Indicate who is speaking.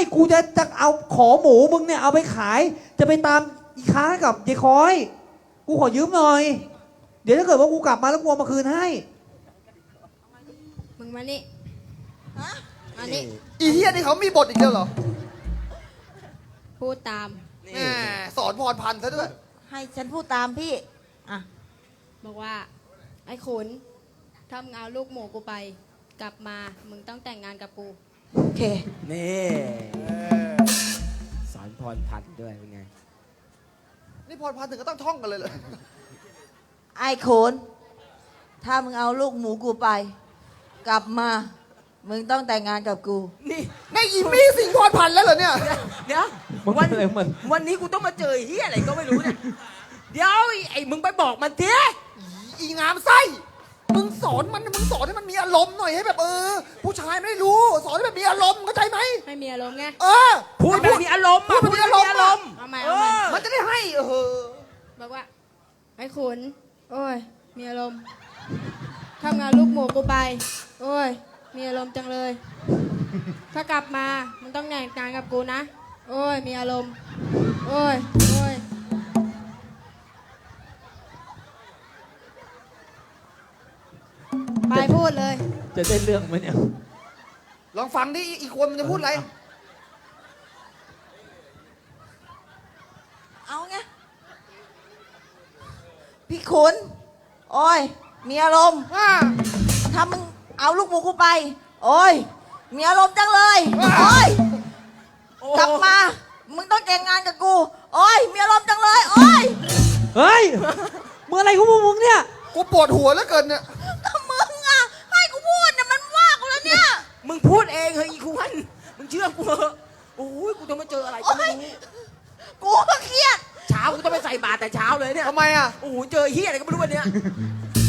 Speaker 1: กูจะเอาขอหมูมึงเนี่ยเอาไปขาย จะไปตามอีค้ากับยายคอย กูขอยืมหน่อย เดี๋ยวถ้าเกิดว่ากูกลับมาแล้วกูเอามาคืนให้
Speaker 2: มึงมานี่
Speaker 3: ฮะ
Speaker 2: มานี่
Speaker 4: อีเฮียนี่เขามีบทอีกแล้วเหรอ
Speaker 2: พูดตาม
Speaker 4: แหมสอนพรพันธ์ซะด้วย
Speaker 3: ให้ฉันพูดตามพี่อ่ะ
Speaker 2: บอกว่า ไอ้ขุนถ้ามึงเอาลูกหมูกูไป กลับมา มึงต้องแต่งงานกับกู
Speaker 3: โอเค
Speaker 5: นี่สอนพรพันธ์ด้วยเป็นไง
Speaker 4: นี่พรพันธ์ถึงก็ต้องท่องกันเลยเหรอ
Speaker 3: ไอ้โขนถ้ามึงเอาลูกหมูกูไป กลับมา มึงต้องแต่งงานกับกู
Speaker 5: นี่
Speaker 4: ในอีมี่สิงห์พรพันธ์แล้วเหรอเนี่ย
Speaker 5: เดี๋ยว
Speaker 1: มัน
Speaker 5: วัน
Speaker 1: อะไรมัน
Speaker 5: วันนี้กูต้องมาเจอไอ้เฮียอะไรก็ไม่รู้เนี่ย เดี๋ยวไอ้มึงไปบอกมันที
Speaker 4: อีงามไส้มึงสอนมันมึงสอนให้มันมีอารมณ์หน่อยให้แบบผู้ชายไม่รู้ สอนให้แบบมีอารมณ์เข้าใจไหม
Speaker 2: ให้มีอารมณ์ไง
Speaker 5: พูดแบบมีอารมณ์
Speaker 4: พูดแบบมีอารมณ์
Speaker 2: เอาใหม่
Speaker 5: เอ
Speaker 2: เอาใหม่
Speaker 5: อ
Speaker 4: มันจะได้ให้
Speaker 2: บอกว่า ไอ้ขุนโอ้ย มีอารมณ์ทำงานลูกหมูกูไป โอ้ย มีอารมณ์จังเลย ถ้ากลับมา มึงต้องแต่งงานกับกูนะ โอ้ย มีอารมณ์ โอ้ย โอ้ย ไปพูดเลย
Speaker 1: จะได้เรื่องไหมเนี่ย
Speaker 4: ลองฟังดิอีกคนมันจะพูดอะไร
Speaker 3: เอาไงพี่ขุนโอ้ย มีอารมณ์ ถ้ามึงเอาลูกหมูกูไป โอ้ย มีอารมณ์จังเลย โอ้ย กลับมา มึงต้องแต่งงานกับกู โอ้ย มีอารมณ์จังเลย โอ้ย
Speaker 1: เฮ้ย มึงอะไรของมึงเนี่ย
Speaker 4: กูปวดหัวแล้วเกินเนี่ย
Speaker 3: ก็มึงอ่ะ ให้กูพูดเนี่ยมันว่ากูแล้วเนี่ย
Speaker 5: มึงพูดเองเฮ้ยอีควรมึงเชื่อกูเหอะโอ้ยกูจะมาเจออะไรก็ไม่รู้
Speaker 3: กูก็เครียด
Speaker 5: เช้ากูต้องไปใส่บาตรแต่เช้าเลยเนี่ย
Speaker 4: ทำไมอ่ะ
Speaker 5: โอ้โหเจอเฮียอะไรก็ไม่รู้วันเนี้ย